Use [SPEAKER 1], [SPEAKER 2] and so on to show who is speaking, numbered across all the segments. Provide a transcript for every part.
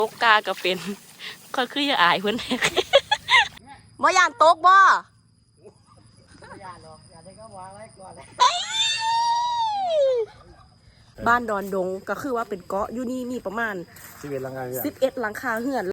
[SPEAKER 1] ตกกาก็เป็นก็คืออย่าอายเพื่อนบ่ยานตกบ่บ้านดอนดงก็คือว่าเป็นเกาะอยู่นี่มีประมาณ
[SPEAKER 2] 11 หลังคา
[SPEAKER 1] หลังคาเฮือน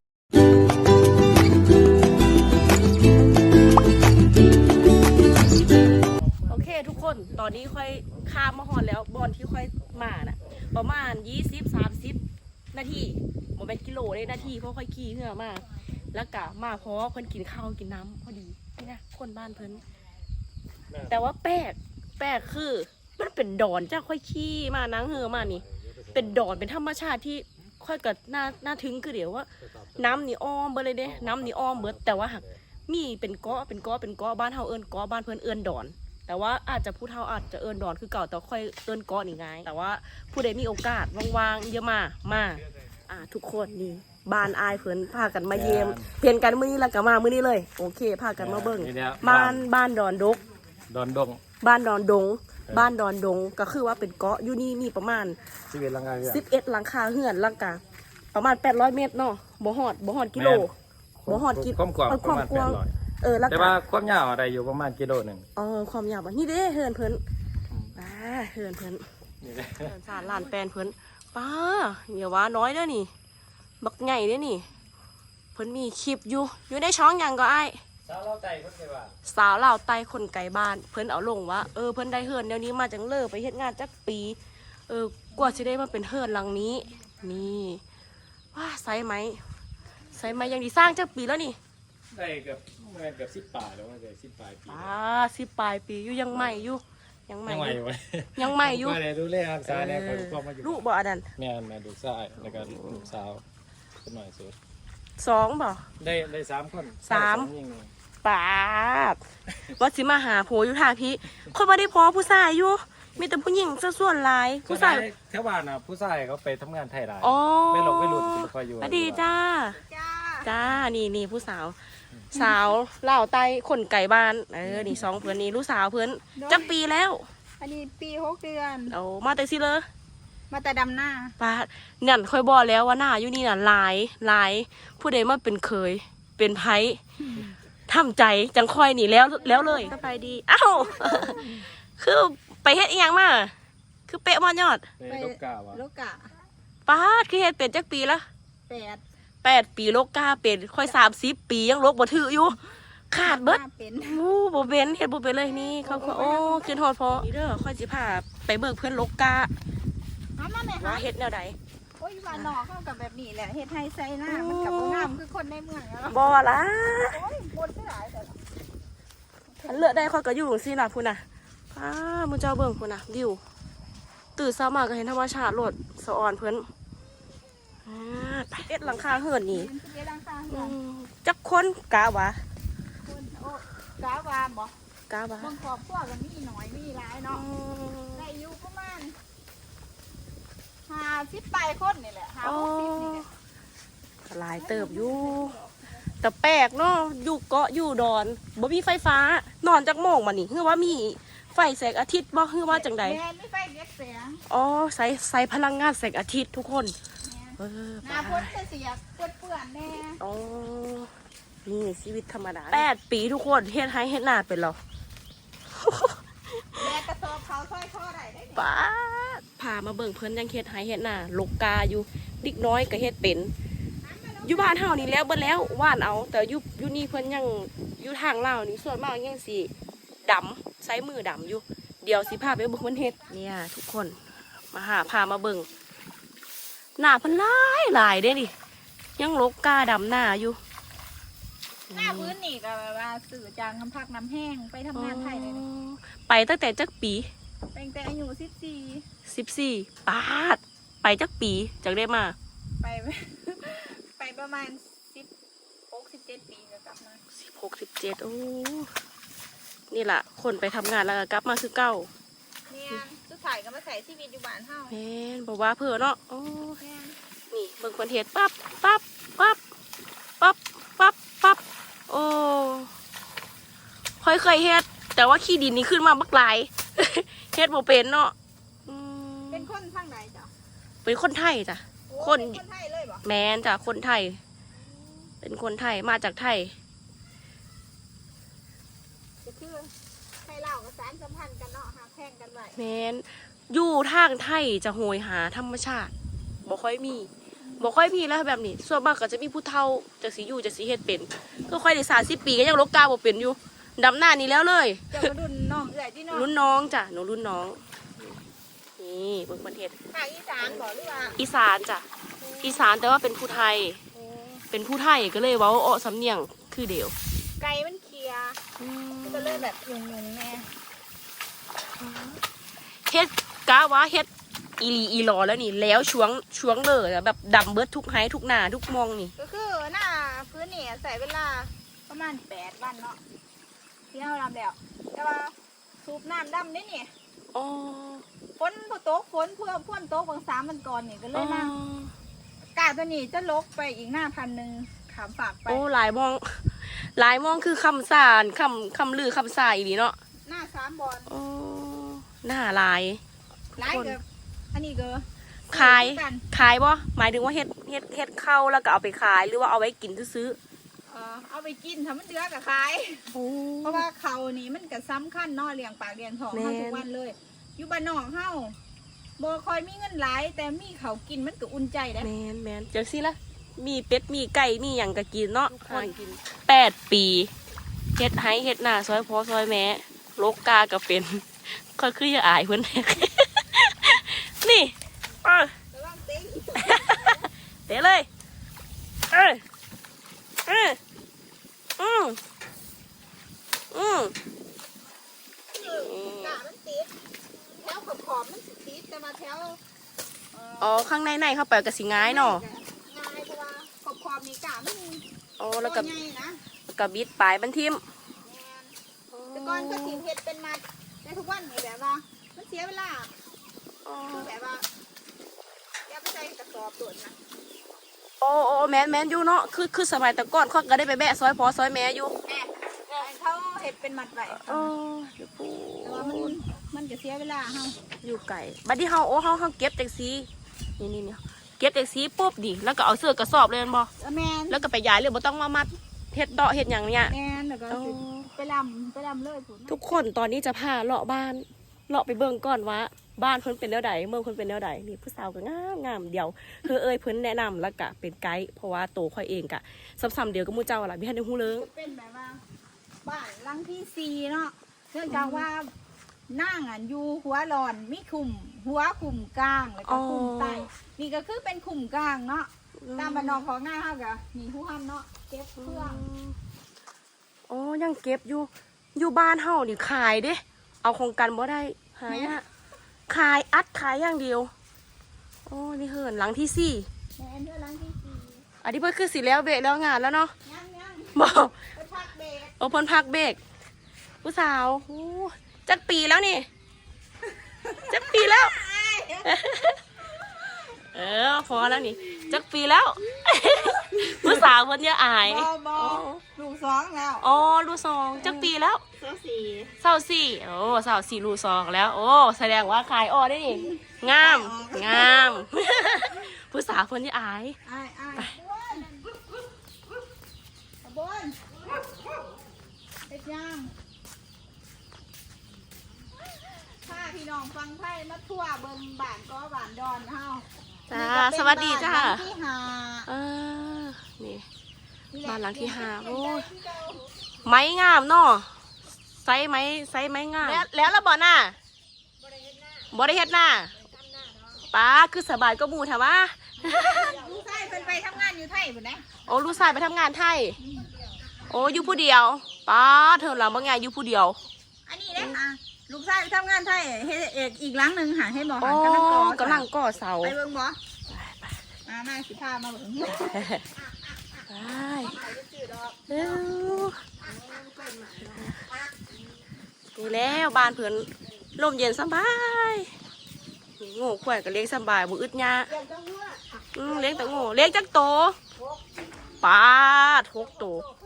[SPEAKER 1] โอเคทุกคนตอนนี้ค่อยข้ามมาฮอดแล้วบอนที่ค่อยมาน่ะประมาณ20-30 นาทีบ่เป็นกิโลเลยนาทีเพราะค่อยขี่เหือมาแล้วก็มาเพราะเพิ่นกินข้าวกินน้ำพอดีนี่นะคนบ้านเพิ่นแต่ว่าแปลกคือมันเป็นดอนจ้าค่อยขี่มานั่งเหือมานี่เป็นดอนเป็นธรรมชาติที่ค่อยกับน่าถึงคือเดี๋ยวว่าน้ำนี่อ้อมเบิดเลยเด้น้ำนี่อ้อมเบิดแต่ว่าหักมีเป็นเกาะบ้านเฮาเอิ้นเกาะบ้านเพิ่นเอิ้นดอนแต่ว่าอาจจะผู้เฒ่าอาจจะเอิ้นดอนคือเก่าแต่ค่อยเอิ้นเกาะนี่ไงแต่ว่าผู้ใดมีโอกาสว่างๆเยอะมาทุกคนนี่บ้านอายเพิ่นพากันมาเยี่ยมเพียนกันมื้อนี้แล้วก็มามื้อนี้เลยโอเคพากันมาเบิ่งบ้านดอนดง
[SPEAKER 2] บ้านดอน
[SPEAKER 1] ดงก็คือว่าเป็นเกาะอยู่นี่มีประมาณ
[SPEAKER 2] 11 หลังคา
[SPEAKER 1] หลังคาเฮือนหลังกาประมาณ800 เมตรเนาะบ่ฮอดกิโลบ่ฮอดกิโล
[SPEAKER 2] ความกว้างประมาณ800
[SPEAKER 1] แล้ว
[SPEAKER 2] แต่ว่าความยาวอะไรอยู่ประมาณกิโลนึง
[SPEAKER 1] ความยาวนี่เด้เฮือนเพิ่นเฮือนเพิ่นนี่เด้เฮือนสารลานแปลนเพิ่นป้าอย่าว่าน้อยเด้อนี่บักใหญ่เด้อนี่เพิ่นมีคลิปอยู่ในช่องหยังก็อ้าย
[SPEAKER 2] สาวลาวไต่คนไกลบ้าน
[SPEAKER 1] สาวลาวไต่คนไกลบ้านเพิ่นเอาลงว่าเพิ่นได้เฮือนเดี๋ยวนี้มาจังเลิกไปเฮ็ดงานจักปีกว่าสิได้มาเป็นเฮือนหลังนี้นี่ว้าไซไหมยังดีสร้างจักปีแล้วนี่
[SPEAKER 2] ได้เกือบ10 ป่าแล้วว่าได้10 ปลายปี
[SPEAKER 1] 10 ปลายปีอยู่ยังใหม่อยู่
[SPEAKER 2] ยังใหม่อยู่
[SPEAKER 1] ก็
[SPEAKER 2] ได้ดูแลรักษาแล้วก็พ่อมาอยู่
[SPEAKER 1] ลูกบ่อันนั้น
[SPEAKER 2] แม่ดูชายแล้วก็ลูกสาวคนหน่อยสุด
[SPEAKER 1] 2บ่
[SPEAKER 2] ได้3 คน
[SPEAKER 1] ปาดว่าสิมาหาโผอยู่ท่าพี่คนบ่ได้พอผู้ชายอยู่มีแต่ผู้หญิงซะส่วนหลาย
[SPEAKER 2] ผู้ชายแถวบ้านน่ะผู้ชายเขาไปทำงานไทยหลายไม่หลงไม่หลุดคอยอยู่
[SPEAKER 1] ดีจ้านี่ผู้สาวเล่าไต้คนไก่บ้านนี่2เพื่อนนี่ลูกสาวเพื่อนจักปีแล้ว
[SPEAKER 3] อันนี้ปี6 เดือน
[SPEAKER 1] มาแต่สิเลย
[SPEAKER 3] มาแต่ดำหน้า
[SPEAKER 1] ป้านั่นค่อยบอกแล้วว่าหน้าอยู่นี่น่ะหลายผู้ใดมาเป็นเคยเป็นไผทำใจจังค่อยนี่แล้วเลยสบายดีอ้าวคือไปเฮ็ดอีหยังมาคือเป๊ะมอนยอด
[SPEAKER 2] ไปโลกา
[SPEAKER 1] ป้าคือเฮ็ดเป็นจักปีละ8 ปีโลกาเป็นค่อย30 ปียังโลกบ่ถืออยู่ขาดเบิดบ่เป็นเฮ็ดบ่เป็นเลยนี่เขาขึ้นฮอดพอนี่เด้อค่อยสิพาไปเบิกเพื่อนโลกาว่าเฮ็ดแนวใด
[SPEAKER 3] โอ้ยบ้านนอกเข้ากับแบบนี้แหละเฮ็ดให้ใส่หน้ามันกับงามคือคนในเมืองแล้ว
[SPEAKER 1] บ่ล่ะ
[SPEAKER 3] โอ้ยบ่ได้หลายแต่
[SPEAKER 1] อันเลือกได้ค่อยก็อยู่จังซี่ล่ะพุ่นน่ะมื้อเจ้าเบิ่งพุ่นน่ะวิวตื่นเช้ามาก็เห็นธรรมชาติโลดสะออนเพิ่น11 หลังคาเฮือนนี่จักคนกะวะ
[SPEAKER 3] กะว่าบ่
[SPEAKER 1] กะวะ
[SPEAKER 3] บางครอบครัวก็มีน้อยมีหลายเนาะได้อยู่ประมาณ50 ปลายคนนี่แหละ50 นี่แหละ
[SPEAKER 1] หลายเติบอยู่แต่แปลกเนาะอยู่เกาะอยู่ดอนบ่มีไฟฟ้านอนจักโมงมานี่คือว่ามีไฟแสงอาทิตย์บ่คือว่าจังใด
[SPEAKER 3] มีไฟเรียกแสง
[SPEAKER 1] ใส่พลังงานแสงอาทิตย์ทุกคน
[SPEAKER 3] หน้าพ้นเสียเปื่อนแน่
[SPEAKER 1] นี่ชีวิตธรรมดา8 ปีทุกคนเฮ็ดให้เฮ็ดหน้าเป็นหรอ
[SPEAKER 3] แม่กระสอบเขาค่อยข้อได้
[SPEAKER 1] ป้าพามาเบิ่งเพิ่นยังเฮ็ดให้เฮ็ดหน้าลกกาอยู่ดิกน้อยก็เฮ็ดเป็นอยู่บ้านเฮานี่แล้วเบิ่แล้วว่านเอาแต่อยู่นี่เพิ่นยังอยู่ทางลาวนี่ส่วนมากยังสิดำใช้มือดำอยู่เดี๋ยวสิพาไปเบิ่งเพิ่นเฮ็ดเนี่ยทุกคนพามาเบิ่งหน้าเพิ่นหลายเด้นี่ยังลกกาดำหน้าอยู่
[SPEAKER 3] หน้าพื้นนี่ก็แบบว่าสื่อจางน้ำพักน้ำแห้งไปทำงานไทยเลย
[SPEAKER 1] ไปตั้งแต่จักปี
[SPEAKER 3] ตั้งแต่อายุ
[SPEAKER 1] 14ปาดไปจักปีจักได้มา
[SPEAKER 3] ไปประมาณ16-17 ปีก็กลับมา
[SPEAKER 1] 16-17โอ้นี่แหละคนไปทำงานแล้วก็กลับมาคือเก่า
[SPEAKER 3] เนี่ยสุดท้ายก็มาใส่ชีวิตอยู่บ้านเฮา
[SPEAKER 1] แม่นบอกว่าเพื่อเนาะนี่เบิ่งคนเฮ็ดปั๊บโอ้เคยเฮ็ดแต่ว่าขี้ดินนี่ขึ้นมาบักหลายเฮ็ดบ่เป็นเนาะ
[SPEAKER 3] เป็นคนทางไหนจ้ะ
[SPEAKER 1] เป็นคนไทยจ้ะ
[SPEAKER 3] คนไทยเลยบ่
[SPEAKER 1] แม่นจ้ะคนไทย เป็นคนไทยมาจากไทย
[SPEAKER 3] ก็คือไทยลาวกับสารสัมพันธ์กันเนาะหาแข่งกันไว้
[SPEAKER 1] แม่นอยู่ทางไทยจะโหยหาธรรมชาติบ่ค่อยมีแล้วแบบนี้ส่วนมากก็จะมีผู้เฒ่าจากสิอยู่จากสิเฮ็ดเป็นก็ค่อยได้30 ปีก็ยังลกกาบ่เป็นอยู่ดำหน้านี่แล้วเลย
[SPEAKER 3] เจ้ามารุ่นน้องเอื่อยที่น้อง
[SPEAKER 1] รุ่นน้องจ้ะหนูรุ่นน้องนี่เบิ่งประเทศ
[SPEAKER 3] ภาคอีสานบอกหรือว่า
[SPEAKER 1] อีสานจ้ะอีสานแต่ว่าเป็นผู้ไทย เป็นผู้ไทยก็เลยเว้าอ้อสำเนียงคือเดียว
[SPEAKER 3] ไก่มันเคลียร์ก็เลยแบบยุงๆแน่
[SPEAKER 1] เฮ็ดกะว่าเฮ็ดอีหลีอีหลอแล้วนี่แล้วช่วงเลยอะแบบดำเบิดทุกไห้ทุกหน้าทุกมองนี่
[SPEAKER 3] ก็คือหน้าพื้นนี่ใส่เวลาประมาณ8 วันเนาะที่เราทำแล้วแต่ว่าสูบน้ำดำนี่นี่
[SPEAKER 1] อ๋อ
[SPEAKER 3] ฝนพอตกฝนเพื่อพ่นตกบาง3 วันก่อนนี่ก็เลยมากาตัวนี้จะลกไปอีกหน้า1,000ขามฝากไป
[SPEAKER 1] โอ้หลายมองคือคำสารคำลือคำสายอีหลีเนาะ
[SPEAKER 3] หน้า3 บอล
[SPEAKER 1] โอ้หน้าหลาย
[SPEAKER 3] หลายเกือบอันนี้ก็
[SPEAKER 1] ขายบ่หมายถึงว่าเฮ็ดเข้าแล้วก็เอาไปขายหรือว่าเอาไว้กินซื้อ
[SPEAKER 3] เอาไปกินทำมันเดือกับขาย
[SPEAKER 1] ๆโอ้
[SPEAKER 3] เพราะว่าเขานี่มันก็สำคัญเนาะเลี้ยงปากเลี้ยงท้อง
[SPEAKER 1] แม่น
[SPEAKER 3] เฮาทุกวันเลย อยู่บ้านนอกเฮาบ่ค่อยมีเงินหลายแต่มีเขากินมันก็อุ่นใจได้
[SPEAKER 1] แมนจังซี่ละมีเป็ดมีไก่มีหยังก็กินเนาะ
[SPEAKER 3] ทุกคน
[SPEAKER 1] กิน8 ปีเฮ็ดให้เฮ็ดหน้าซอยพ่อซอยแม่โลกกาก็เป็นก็คืออย่าอายเพิ่น นี่
[SPEAKER 3] ระวังเต็ง
[SPEAKER 1] เตะเลยเอออืม
[SPEAKER 3] กะมันติดแถวขอบมันสิติดแต่มาแถว
[SPEAKER 1] อ๋อข้างในเข้าไปก็สิง่ายเนาะ
[SPEAKER 3] ง่ายเพราะว่าขอบนี่กะมัน
[SPEAKER 1] อ๋อแล้วก็
[SPEAKER 3] ใหญ่นะ
[SPEAKER 1] บิดปลายมันทิ่ม
[SPEAKER 3] แม่นแต่ก่อนก็สิเฮ็ดเป็นมัดแต่ทุกวันนี่แบบว่ามันเสียเวลา
[SPEAKER 1] อ๋อ
[SPEAKER 3] คือแบบว่าอย่าไปใส่กระสอบโดดนะ
[SPEAKER 1] โอ้แม่นอยู่เนาะคือสมัยแต่ก่อนเขาก็ได้ไปแบะซอยพ่อซอยแม่อยู่
[SPEAKER 3] แม่เขาเห็ดเป็นมัดไว้
[SPEAKER 1] อ๋อเดี๋ยวปู
[SPEAKER 3] แต่ว่ามันจะเสียเวลาเฮา
[SPEAKER 1] อยู่ไก่บัดนี้เฮาเฮาเก็บจากซีนี่เก็บจากซีปุ๊บดิแล้วก็เอาเสื้อกระสอบเลยแม่นบ่
[SPEAKER 3] แม่น
[SPEAKER 1] แล้วก็ไปย้ายเลยบ่ต้องมามัดเฮ็ดเดาะเฮ็ดหยังเนี่ย
[SPEAKER 3] แม่นแล้วก็
[SPEAKER 1] อ๋อ
[SPEAKER 3] สิไปลำเลยผุน
[SPEAKER 1] ทุกคนตอนนี้จะพาเลาะบ้านเลาะไปเบิ่งก่อนว่าบ้านเพิ่นเป็นแนวใดเมืองเพิ่นเป็นแนวใดนี่ผู้สาวก็งามเดียวคือเพิ่นแนะนำแล้วก็เป็นไกด์เพราะว่าโตค่อยเองก็ซ้ำๆเดียวกับหมู่เจ้าล่ะมีทันได้ฮู้เรื่อง
[SPEAKER 3] จะเป็นแบบว่าบ้านหลังที่4เนาะเนื่องจากว่านั่งอยู่หัวหลอนมีคุมหัวคุมกลางแล้วก็คุมใต้นี่ก็คือเป็นคุมกลางเนาะตามบ้านนอกของง่ายเฮาก็มีผู้ห้ามเนาะเก็บเครื่อง
[SPEAKER 1] อ๋อยังเก็บอยู่บ้านเฮานี่ขายเด้เอาโครงการบ่ได้หายากขายอย่างเดียวโอ้นี่เหินหลังที่4
[SPEAKER 3] แม่นเด้อหลังที่
[SPEAKER 1] อันนี้เพิ่นคือสิแล้วเบรกแล้วงานแล้วเนาะ
[SPEAKER 3] 4ยัง
[SPEAKER 1] บอก
[SPEAKER 3] ไปพักเบรก
[SPEAKER 1] โอ้เพิ่นพักเบรกผู้สาวโอ้จักปีแล้วนี่จักปีแล้ว พอแล้วนี่จักปีแล้ว ผู้สาวเพิ่นอย่าอาย
[SPEAKER 3] บอลูก2แล้ว
[SPEAKER 1] อ๋อลูกสองจักปีแล้ว
[SPEAKER 3] 24
[SPEAKER 1] 24โอ้24ลูกสองแล้ว โอ้แสดงว่าขายอ้อได้นี่งาม ผู้สาวเพิ่นอย่าอาย
[SPEAKER 3] อ้ายบนเฮ็ดยังถ้าพี่น้องฟังไทยมาทั่วเบิ่งบ้านก็บ้านดอนเฮา
[SPEAKER 1] จ้าสวัสดีจ้า
[SPEAKER 3] บ้นที่ห้า
[SPEAKER 1] นี่
[SPEAKER 3] นี่แหละ
[SPEAKER 1] บ้านหลังที่ห้า
[SPEAKER 3] เรียน
[SPEAKER 1] โอ้ย
[SPEAKER 3] ที่เก่า
[SPEAKER 1] ไม้งามเนาะไซส์ไม้งามแล้วบ่น่ะบ่ได้เฮ็ดหน้าป้าคือสบายก็หมู่แถวว่า
[SPEAKER 3] ลูกชายเพิ่นไปทำงานอยู่ไทยพุ่นนะ
[SPEAKER 1] โอ้ลูกชายไปทำงานไทยโอ้อยู่ผู้เดียวป้าเธอหลังบางงานอยู่ผู้เดียว
[SPEAKER 3] อันนี้เด้ค่ะลูกชายไปทำงานไทยเฮ็ดเอกอีกหลังหนึงหาให้บ่
[SPEAKER 1] โอ้
[SPEAKER 3] หากำลังก่อก
[SPEAKER 1] ำลังก่อเสา
[SPEAKER 3] ไปเบิ่งบ่มาสิพามาเบิ่ง
[SPEAKER 1] ไปเร็วนี่แล้วบ้านเพิ่นลมเย็นสบายนี่โง่ข่อยก็เลี้ยงสบายบ่อึดยา
[SPEAKER 3] เดี๋ยวต้องว่า
[SPEAKER 1] เลี้ยงแต่โง่เลี้ยงจักโตป้า6 โต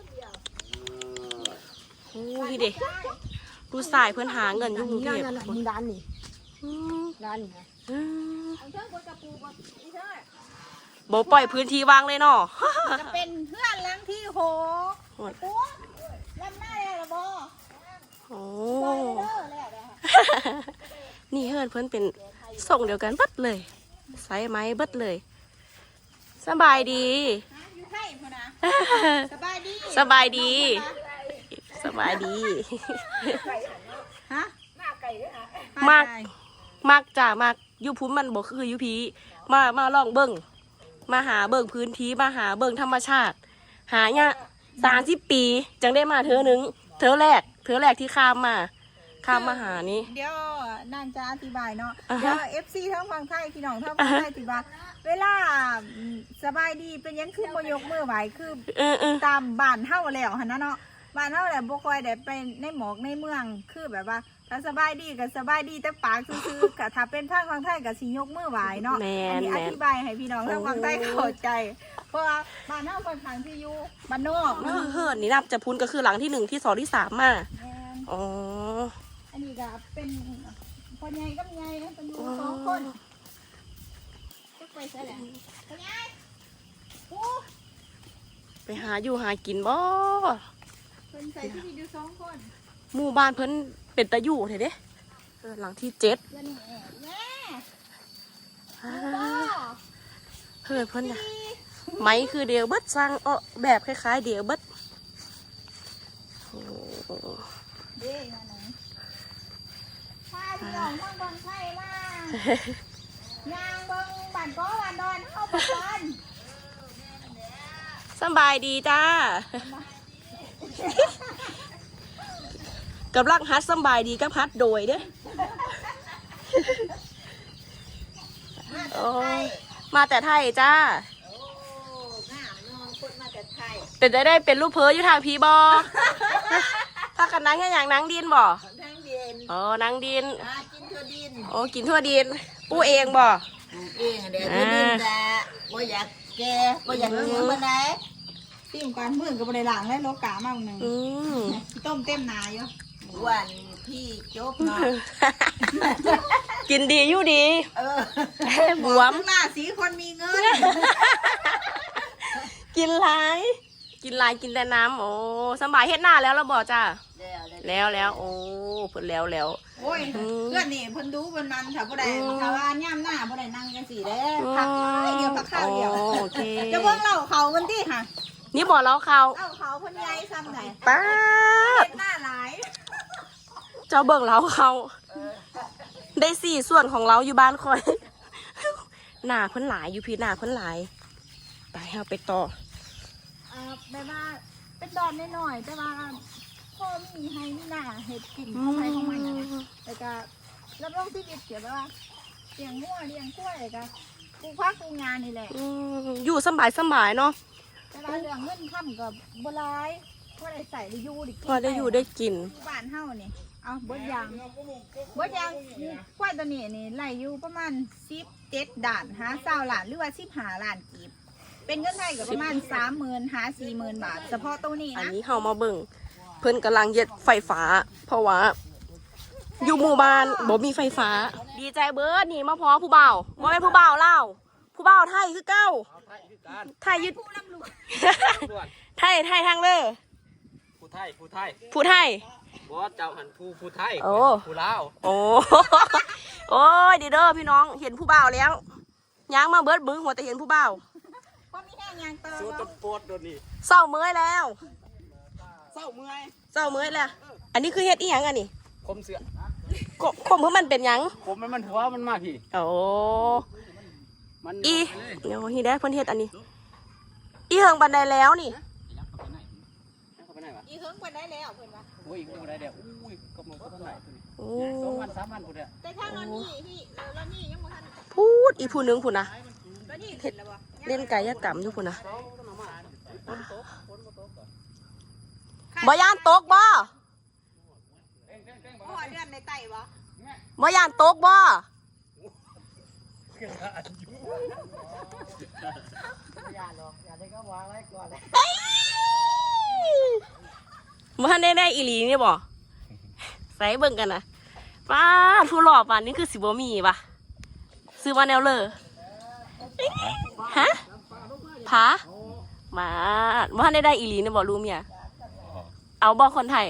[SPEAKER 1] โอ้ยเด็กดูสายเพื่อนหาเงินอยู่กรุงเทพ
[SPEAKER 3] มึงด้านนี่
[SPEAKER 1] อืม
[SPEAKER 3] ด้านนี่นะ
[SPEAKER 1] อืม
[SPEAKER 3] อันเชิงบนกระปูบนอีเท่า
[SPEAKER 1] บ่ปล่อยพื้นที่ว่างเลยเนาะ
[SPEAKER 3] จะเป็นเพื่อนหลังที่6ตัวลำหน้าแล้วบ่
[SPEAKER 1] โอ้
[SPEAKER 3] ปล่อยเด้อแล้วเด้อ
[SPEAKER 1] นี่เฮือนเพิ่นเป็นส่งเดียวกันเบิดเลยไซส์ไม้เบิดเลยสบายดี
[SPEAKER 3] อยู่ไทยพุ่นนะสบายดี
[SPEAKER 1] สบายดี สบายดี
[SPEAKER 3] ฮะ
[SPEAKER 1] มากมากจ้ามากอยูพุ้นมันบอกคืออยูพีมาลองเบิ่งมาหาเบิ่งพื้นที่มาหาเบิ่งธรรมชาติ หาเนี่ย30 ปีจังได้มาเธอหนึ่งเธอแรกที่ข้ามมาหานี้
[SPEAKER 3] เดี๋ยวนางจะอธิบายเนาะ
[SPEAKER 1] อ่าฮะ
[SPEAKER 3] เดี๋ยว FC ทั้งฝั่งไทยพี่น้องทั้งฝั่งไทยอธิบายเวลาสบายดีเป็นยังคือบ่ยกมือไหวคือ ตามบ้านเฮาแล้วหั่นนะเนาะบ้านเฮาแหละบ่ค่อยได้ไปในหมอกในเมืองคือแบบว่าถ้าสบายดีก็สบายดีแต่ปากซื่อๆก็ถ้าเป็นทางฝั่งไทยก็สิยกมือไหวเนาะ
[SPEAKER 1] แม่น
[SPEAKER 3] อันนี้อ
[SPEAKER 1] แม่น
[SPEAKER 3] ธิบายให้พี่น้องทางฝั่งไทยเข้าใจ เพราะว่าบ้านเฮาค่อนข้างที่อยู่บ้านนอกเนาะ
[SPEAKER 1] เฮือนนี่นับจะพุ้นก็คือหลังที่ 1 ที่ 2 ที่ 3มา
[SPEAKER 3] แม่น
[SPEAKER 1] อ๋อ
[SPEAKER 3] อันนี้ก็เป็นพ่อใหญ่กับใหญ่นะเป็นอยู่2คนจะไปซะแหละพ่อใหญ่โอ้
[SPEAKER 1] ไปหาอยู่หากินบ่
[SPEAKER 3] เพิ่นใส่ที่มีอยู่2คน
[SPEAKER 1] หมู่บ้านเพิ่นเป็นตะอยู่เถอะเด้หลังที่ 7
[SPEAKER 3] เดี๋ยวนี่แม่บ่
[SPEAKER 1] เฮือนเพิ่นน่ะไม้คือเดียวเบิดสร้างแบบคล้ายๆเดียวเบิดโอ้
[SPEAKER 3] เด้มาไหนพาพี่น้องทางบนไทยมา ยางเบิ่งบ้านก้อบ้านดอนเข้าไปก่อน
[SPEAKER 1] สบายดีจ้า กับลักฮัดสบายดีกับฮัดโดยเด้โอ้มาแต่ไทยจ้า
[SPEAKER 3] โอ้งามน้องคนมาจากไทย
[SPEAKER 1] เป็นได้เป็นลูกเพออยู่ทางพีบอ ถ้ากันนั่งแค่อย่างนั่งดินบ่
[SPEAKER 3] ทางเดิน
[SPEAKER 1] อ๋อนั่งดิน
[SPEAKER 3] กินทั่วดิน
[SPEAKER 1] โอ้กินทั่วดินปูเองบ่
[SPEAKER 3] ปลูกเองเดี๋ยวทั่วดินแต่บ่อยากแก่บ่อยากเนื้อมาไหนติ้มก่อนมื้อก็บ่ได้ล้างแล้วโลกามากนึง
[SPEAKER 1] อืม
[SPEAKER 3] ต้มเต็มนาอยู่วันพี่จบเนาะ
[SPEAKER 1] กินดีอยู่ดี บวม
[SPEAKER 3] หน้าสีคนมีเงิน
[SPEAKER 1] กินหลายกินแต่น้ำโอ้สบายเฮ็ดหน้าแล้วเราบอกจ้าแล้วโอ้เพิ่นแล้ว
[SPEAKER 3] โอ้ยเพื่อนนี่เพิ่นดูเพิ่นมันถ้าบ่ได้ถ้าว่าย่ำหน้าบ่ได้นั่งจังซี่เด้พักเดียวพักข้าวเดียว
[SPEAKER 1] โอเค
[SPEAKER 3] จะเบิ่งเล่าเขามันติค่ะ
[SPEAKER 1] นี่บอกเราเขา
[SPEAKER 3] เล่าเขาเพิ่นใหญ่ซ้ำไหน
[SPEAKER 1] ป้าด
[SPEAKER 3] เฮ็ดหน้าหลาย
[SPEAKER 1] เจ้าเบิ่งเราเขาได้4 ส่วนของเราอยู่บ้านคอย หน้าเพิ่นหลายอยู่พี่หน้าเพิ่นหลายไปเฮาไปต่อ
[SPEAKER 3] แบบว่าเป็นดอนน้อยๆแต่ว่าพ่อมีให้มีหน้าเฮ็ดกินของใครของมันนะแล้วก็รับรองชีวิตเกี่ยวกับว่าเลี้ยงงัวเลี้ยงกล้วยแล้วก็ปลูกผักปลูกงานนี่แหละ
[SPEAKER 1] อยู่สบายเนาะ
[SPEAKER 3] แต่ว่าเรื่องเงินค่ำกับบัวลายพอได้ใส่ได้อยู่ได้กิน
[SPEAKER 1] พอได้อยู่ได้กิน
[SPEAKER 3] บ้านเฮานี่เอาเบิดยางกล้วยตัวนี้นี่ไล่อยู่ประมาณ17ด่านหา20ล้านหรือว่า15ล้านกีบเป็นเงินไทยก็ประมาณ 30,000หา40,000 บาทเฉพาะตัวนี้
[SPEAKER 1] อัน
[SPEAKER 3] นะ
[SPEAKER 1] นี้เฮามาเบิ่งเพิ่นกำลังเย็ดไฟฟ้า เพราะว่า อยู่หมู่บ้านบ่มีไฟฟ้า ดีใจเบิดนี่มาพอผู้บ่าวบ่แม่นผู้บ่าวลาวผู้บ่าวไทยคือเก้าไทยยึด ไทยทางเลย
[SPEAKER 2] ผู้ไทย
[SPEAKER 1] ผู้ไทย
[SPEAKER 2] บ่เจ้าหันผู้ไทย
[SPEAKER 1] โอ้
[SPEAKER 2] ผู้ลาว
[SPEAKER 1] โอ้ โอ้ยดีเด้อพี่น้องเห็นผู้บ่าวแล้วย้างมาเบิดบึ้งหัวแต่เห็นผู้บ่าว
[SPEAKER 3] พอมีแห้งยางเติ
[SPEAKER 2] สู้
[SPEAKER 3] ม
[SPEAKER 2] ตะโปดโดนนี่
[SPEAKER 1] เศร้าเมื่อยแล้ว
[SPEAKER 2] เศร้าเมื่อย
[SPEAKER 1] เศร้าเมื่อยแล้วอันนี้คือเฮ็ดอีหยังอันนี้
[SPEAKER 2] คมเสือ
[SPEAKER 1] คมเพื่อมันเป็นหยัง
[SPEAKER 2] ผมมันหัวมันมาพี่
[SPEAKER 1] โอ้
[SPEAKER 2] มัน
[SPEAKER 1] อีเดี๋ยวฮีได้เพิ่นเฮ็ดอันนี้ อีเฮิงบันไดแล้วนี่
[SPEAKER 2] เข้าไปไหนวะ
[SPEAKER 3] อีเฮิงไปได้แล้วเพิ่นว่า
[SPEAKER 2] โอ้ยกูได้เดี๋ยวอุ้ยก็มึงเข้าไปไหนตัวนี้
[SPEAKER 1] โอ้
[SPEAKER 2] 2 วัน 3 วันกูเด้อ
[SPEAKER 3] แต่ถ้านอนนี่พี่แล้วนี่ยังบ่ทัน
[SPEAKER 1] พูดอีผู้หนึงพุ่นนะ
[SPEAKER 3] แล้วนี่เสร็จแล้วบ่
[SPEAKER 1] เล่นกายกรรมอยู่พุ่นนะบ่ย่านตกบ่
[SPEAKER 3] โอ้เดือนในไตบ่
[SPEAKER 1] บ่ย่านตกบ่บ่ทันได้อีหลีนี่บ่ใส่เบิ่งกันนะป้าผู้หล่อป่านนี้คือสิบ่มีป่ะซื้อมาแนวเลยฮะพามาว่าได้อีหลีนะบอกรู้เมียเอาบอกคนไทย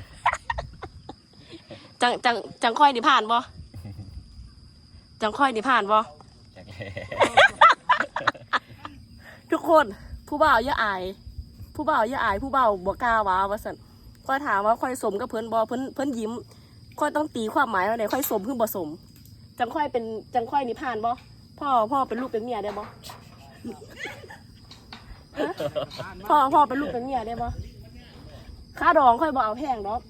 [SPEAKER 1] จังค่อยดิผ่านบ่จังค่อยดิผ่านบ่ทุกคนผู้บ่าวอย่าอายผู้บ่าวอย่าอายผู้บ่าวบ่กล้าว่าว่าซั่นค่อยถามว่าค่อยสมกับเพิ่นบ่เพิ่นยิ้มค่อยต้องตีความหมายว่าไหนค่อยสมคือบ่สมจังค่อยนี่ผ่านบ่พ่อเป็นลูกเป็นเมียได้บ่พ่อเป็นลูกเป็นเมียได้บ่ค่าดองค่อยบ่เอาแพงดอก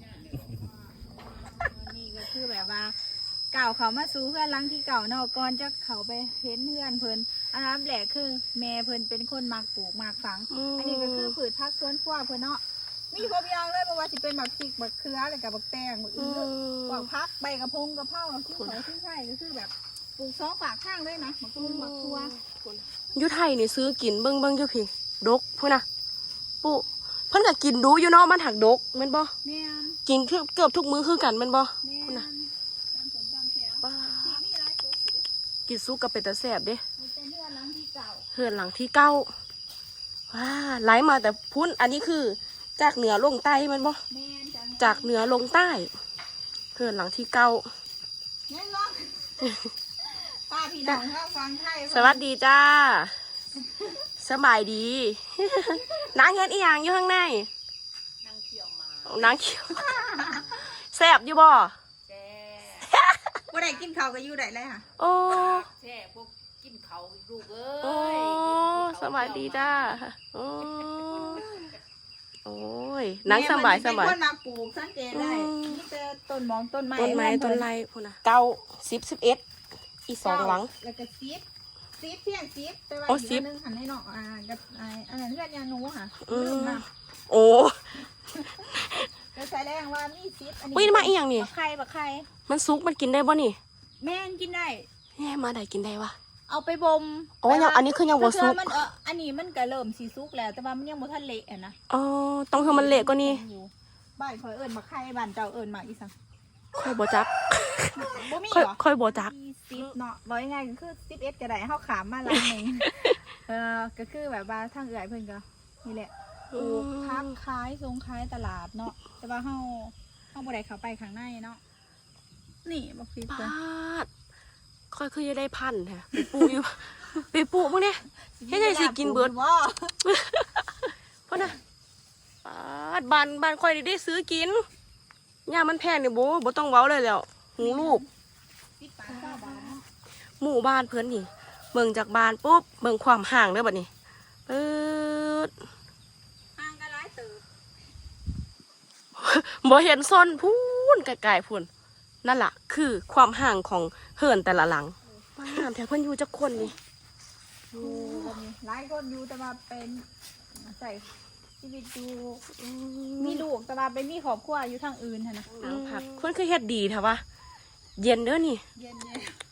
[SPEAKER 3] นี่ก็คือแบบว่าเก่าเขามาสู่เพื่อนหลังที่เก่าเนาะก่อนจะเขาไปเห็นเพื่อนเพิ่นอันนั้นแหละคือแม่เพิ่นเป็นคนมักปลูกมักฝังอันนี้ก็คือผืชพักสวนครัวเพิ่นเนาะมีครบอย่างเลยบ่ว่าสิเป็นบักพริกบักเขืออะไรกับบักแตงบักอื้อบักพักใบกระพงกระเพราที่เขาที่ใช่ก็คือแบบปลูก2ฝากข้างเลยนะบักตุ้งบักทั่ว
[SPEAKER 1] อยู่ไทยนี่ซื้อกินเบิ่งอยู่พี่ดกพุ่นน่ะปุ๊เพิ่นก็กินดูอยู่เนาะมันหักดกแม่นบ่
[SPEAKER 3] แม่น
[SPEAKER 1] กินเกือบทุกมื้อคือกันแม่นบ่พุ่นน่ะกินซุกกับเป็ดตะแสบเด้เฮือนหลังที่เก้าว้าไหลมาแต่พุ่นอันนี้คือจากเหนือลงใต้มันบ่จากเหนือลงใต้เฮือนหลังที่เก้า
[SPEAKER 3] ป้าพี่น้องถ้าฟังไทย
[SPEAKER 1] สวัสดีจ้าสบายดีนางเฮ็ดอีหยังอยู่ข้างในนางเขียวแสบอยู่บ่
[SPEAKER 3] บ่ได้กินข้าวก็อยู่ได้เลยค่ะ
[SPEAKER 1] โอ้
[SPEAKER 4] แช่พวกกินเขาลูกเอ้ย
[SPEAKER 1] โอ้สวัสดีจ้าโอ้ยนังสบาย
[SPEAKER 3] เป็นคนมาปลูกสังเกตได้นี่เป็นต้นมองต้นไม้
[SPEAKER 1] ต้นไรพุ่นน่ะเก้า10 11อี2หลัง
[SPEAKER 3] แล้วก็10เที่ยง10แต่ว่าอีกนึงหันให้เนาะกับอันนั้นเพื่อนยาหนูค่ะ
[SPEAKER 1] โอ้
[SPEAKER 3] ก็แสดงว่ามี10อันนี้
[SPEAKER 1] วิ่งมาอีหยังนี่
[SPEAKER 3] บักไข่
[SPEAKER 1] มันซุกมันกินได้บ่นี่
[SPEAKER 3] แม่งกินได้
[SPEAKER 1] แม่มาได้กินได้วะ
[SPEAKER 3] เอาไปบ่ม
[SPEAKER 1] อ๋อยังอันนี้คือยังบ่ซุก
[SPEAKER 3] อันนี้มันก็เริ่มสิซุกแล้วแต่ว่ามันยังบ่ทันเละอ่ะนะ
[SPEAKER 1] อ๋อต้องให้มันเละกว่านี้
[SPEAKER 3] บ้านข่อยเอิ้นบักไข่บ้านเจ้าเอิ้นมาอีสัง
[SPEAKER 1] ค่อยบ่จัก
[SPEAKER 3] บ่มีเหรอ
[SPEAKER 1] ค่อยบ่จัก
[SPEAKER 3] 10เนาะบ่ยังไงก็คือ11ก็ได้เฮาขามมาหลังนึงก็คือแบบว่าทางเอื้อยเพิ่นก็นี่แหละปลูกพักขายส่งขายตลาดเนาะแต่ว่าเฮาบ่ได้เข้าไปข้างในเนาะนี่บักพริกเพิ่น
[SPEAKER 1] ค่อยคือจะได้พันแท้ไปปลูกอยู่ไปปลูกมื้อนี้เฮ็ดจังสิกินเบิดพุ่นน่ะบ้านค่อยได้ซื้อกินย่ามันแพงนี่บ่ต้องเว้าเลยแล้วหูลูกหมู่บ้านเพิ่นนี่เบิ่งจากบ้านปุ๊บเบิ่งความห่างเด้อบัดนี้
[SPEAKER 3] ห่างกันหลายตึก
[SPEAKER 1] บ่เห็นซ่อนพูนไกลๆพุ่นนั่นล่ะคือความห่างของเฮือนแต่ละหลังบ้านแถวเพิ่นอยู่จักคนนี่
[SPEAKER 3] หลายคนอยู่แต่ว่าเป็นใส่ชีวิตอยู่มีลูกแต่ว่าไปมีครอบครัวอยู่ทางอื่นนะ
[SPEAKER 1] ผักเพิ่นคือเฮ็ดดีแท้วะเย็นเด้อนี่
[SPEAKER 3] เย็น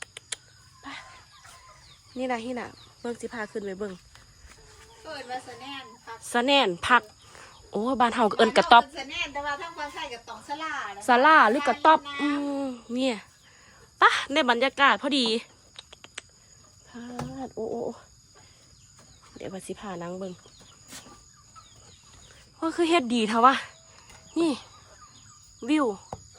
[SPEAKER 1] นี่น่ะเบิ่งสิพาขึ้นไปเบิ่ง
[SPEAKER 3] เปิดว่าสะแนน
[SPEAKER 1] ผักโอ้บ้านเฮาก็เอิ้นกระต๊อบ
[SPEAKER 3] สะแนนแต่ว่าทางภาษาก็ต้อง
[SPEAKER 1] ศาลาหรือกระต๊อบเนี่ยปะได้บรรยากาศพอดีโอ้เดี๋ยวว่าสิพานางเบิ่งว่าคือเฮ็ดดีแท้วะนี่วิว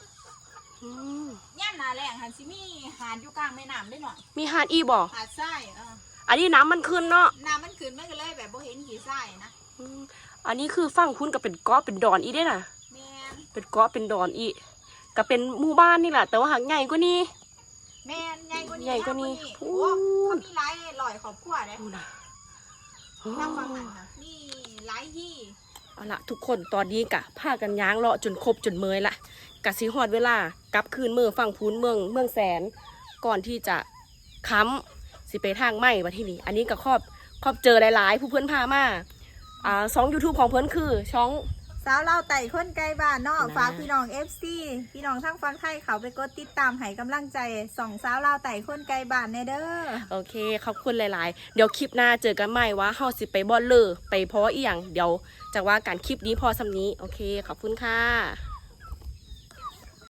[SPEAKER 3] ย่านนาแรงหันสิมีหาดอยู่กลางแม่น้ำได้หน่อย
[SPEAKER 1] มีหาดอีบ่
[SPEAKER 3] หาดทราย
[SPEAKER 1] อันนี้น้ำมันขึ้นเนาะ
[SPEAKER 3] น้ำมันขึ้นมันก็เลยแบบบ่เห็นหินทรายนะ
[SPEAKER 1] อันนี้คือฝั่งคุณก็เป็นเกาะเป็นดอนอีได้น่ะเป็นเกาะเป็นดอนอีก็เป็นหมู่บ้านนี่แหละแต่ว่าหางใหญ่กว่านี้
[SPEAKER 3] แม่ใหญ่กว่านี้โอ้เขามีหลายร้อยครอบครัวเลยทางฝั่งนั้นค่ะมีหลายที่
[SPEAKER 1] เอาละทุกคนตอนนี้กะพากันย้างเลาะจนครบจนเมยละกะสิฮอดเวลากลับคืนเมืองฝั่งพูนเมืองแสนก่อนที่จะค้ำสิไปทางไม้มาที่นี่อันนี้ก็ครอบเจอหลายๆผู้เพื่อนพามา2 YouTube ของเพื่อนคือช่อง
[SPEAKER 3] สาวเล่าไต่คนไกลบ้านเนาะฝากพี่น้อง FC พี่น้องทั้งฟังไทยเขาไปกดติดตามให้กำลังใจส่องสาวเล่าไต่คนไกลบ้านเนเด้อ
[SPEAKER 1] โอเคขอบคุณหลายๆเดี๋ยวคลิปหน้าเจอกันใหม่ว่าเฮาสิไปบอลเลอร์ไปเพราะอีหยังเดี๋ยวจากว่าการคลิปนี้พอสำนี้โอเคขอบคุณค่ะ